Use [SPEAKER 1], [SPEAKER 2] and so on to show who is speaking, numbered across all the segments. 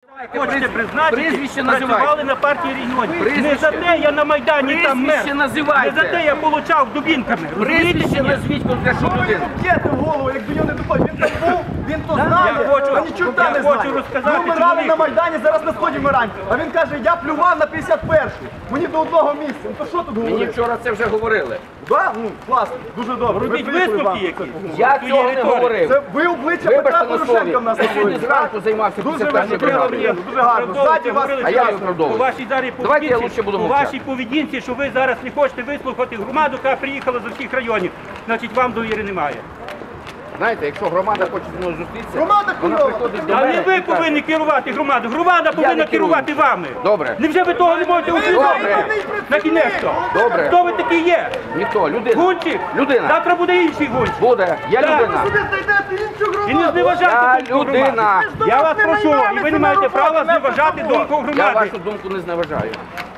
[SPEAKER 1] Хочете призначити,
[SPEAKER 2] прізвище
[SPEAKER 1] працювали на партії регіонів. Не за те я на Майдані там мер.
[SPEAKER 2] Прізвище називайте.
[SPEAKER 1] Не за те я получав дубінками.
[SPEAKER 2] Прізвище назвіть конкретну людину.
[SPEAKER 3] Б'єте в голову, якби його не допомогли. Він там був, він то знає, а нічого не
[SPEAKER 1] я
[SPEAKER 3] знає.
[SPEAKER 1] хочу розказати
[SPEAKER 3] Ми вмирали
[SPEAKER 1] чоловіку.
[SPEAKER 3] на Майдані, зараз на сході вмираємо. А він каже, я плював на 51-ю. Мені до одного місця. Ну то що тут
[SPEAKER 2] Мені
[SPEAKER 3] говорити?
[SPEAKER 2] вчора це вже говорили.
[SPEAKER 3] Да? Ну, класно, дуже добре.
[SPEAKER 1] Робіть
[SPEAKER 3] Ми приїхали
[SPEAKER 1] висновки
[SPEAKER 3] вам.
[SPEAKER 1] якісь.
[SPEAKER 2] Я
[SPEAKER 1] Твої
[SPEAKER 2] цього не
[SPEAKER 1] риторики.
[SPEAKER 2] говорив.
[SPEAKER 3] Це ви обличчя
[SPEAKER 2] Вибачте
[SPEAKER 3] Петра
[SPEAKER 2] на
[SPEAKER 3] Порошенка
[SPEAKER 2] слові.
[SPEAKER 3] в нас
[SPEAKER 2] Я сьогодні
[SPEAKER 3] говорите.
[SPEAKER 2] зранку займався
[SPEAKER 3] Дуже
[SPEAKER 2] 51-ю бригадою.
[SPEAKER 3] дуже гарно. Ззаді вас.
[SPEAKER 2] А я виправдовую.
[SPEAKER 1] По вашій зараз
[SPEAKER 2] Давайте я лучше буду
[SPEAKER 1] по
[SPEAKER 2] мовчати.
[SPEAKER 1] вашій поведінці, що ви зараз не хочете вислухати громаду, яка приїхала з усіх районів, значить вам довіри немає.
[SPEAKER 2] Знаєте, якщо громада хоче зі мною зустрітися,
[SPEAKER 3] Громада
[SPEAKER 2] вона
[SPEAKER 3] хуйова.
[SPEAKER 2] приходить до
[SPEAKER 1] А
[SPEAKER 2] мене
[SPEAKER 1] не
[SPEAKER 2] і
[SPEAKER 1] ви
[SPEAKER 2] каже,
[SPEAKER 1] повинні керувати громадою, громада повинна
[SPEAKER 2] не керую.
[SPEAKER 1] керувати вами.
[SPEAKER 2] Добре.
[SPEAKER 1] Невже ви того не можете усвідомити? На кінець-то.
[SPEAKER 2] Добре.
[SPEAKER 1] Хто ви такий є?
[SPEAKER 2] ніхто, людина.
[SPEAKER 1] Гунчик?
[SPEAKER 2] Людина.
[SPEAKER 1] Завтра буде інший гунчик.
[SPEAKER 2] Буде. Я
[SPEAKER 1] Так.
[SPEAKER 2] людина.
[SPEAKER 3] Ви знайдете іншу
[SPEAKER 1] І не
[SPEAKER 3] громаду.
[SPEAKER 1] зневажайте
[SPEAKER 2] Я
[SPEAKER 1] думку громади.
[SPEAKER 2] людина.
[SPEAKER 1] Я вас прошу, і ви не маєте права зневажати думку
[SPEAKER 2] Я
[SPEAKER 1] громади.
[SPEAKER 2] вашу думку не зневажаю.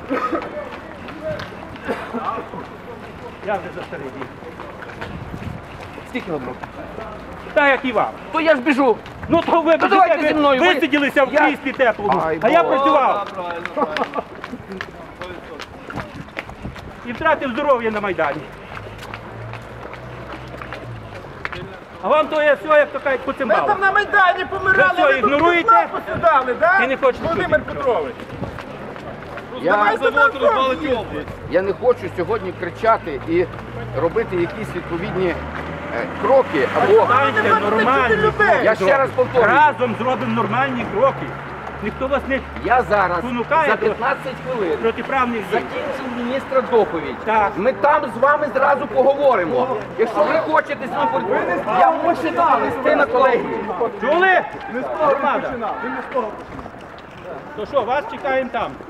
[SPEAKER 1] Я вже за старий дід.
[SPEAKER 2] Скільки вам років?
[SPEAKER 1] Так, як і вам.
[SPEAKER 2] То я ж біжу.
[SPEAKER 1] Ну то ви
[SPEAKER 2] давайте зі мною. Ви-
[SPEAKER 1] висиділися в
[SPEAKER 2] Я-
[SPEAKER 1] кріслі теплому,
[SPEAKER 2] Ай,
[SPEAKER 1] а я
[SPEAKER 2] Боже.
[SPEAKER 1] працював. І втратив здоров'я на Майдані. А вам то є все, як то кажуть,
[SPEAKER 3] Ми
[SPEAKER 1] поцимбало.
[SPEAKER 3] там на Майдані помирали,
[SPEAKER 1] Ви що,
[SPEAKER 3] ви тут
[SPEAKER 1] ігноруєте?
[SPEAKER 3] кнопку сідали, да?
[SPEAKER 1] І не хочете
[SPEAKER 3] Володимир
[SPEAKER 1] чути.
[SPEAKER 3] Петрович.
[SPEAKER 2] Я не хочу сьогодні кричати і робити якісь відповідні кроки або...
[SPEAKER 1] Станьте нормальні
[SPEAKER 3] людей.
[SPEAKER 2] Я ще раз повторюю.
[SPEAKER 1] Разом зробимо нормальні кроки. Ніхто вас не
[SPEAKER 2] Я зараз
[SPEAKER 1] Спонукає
[SPEAKER 2] за
[SPEAKER 1] до-
[SPEAKER 2] 15 хвилин
[SPEAKER 1] протиправних дій.
[SPEAKER 2] закінчив міністра доповідь.
[SPEAKER 1] Так.
[SPEAKER 2] Ми там з вами зразу поговоримо. Якщо ви хочете з ним поговорити, я можу листи на колегію.
[SPEAKER 1] Чули?
[SPEAKER 3] Не з того він
[SPEAKER 1] Громада.
[SPEAKER 3] починав. Він не з того.
[SPEAKER 1] То що, вас чекаємо там.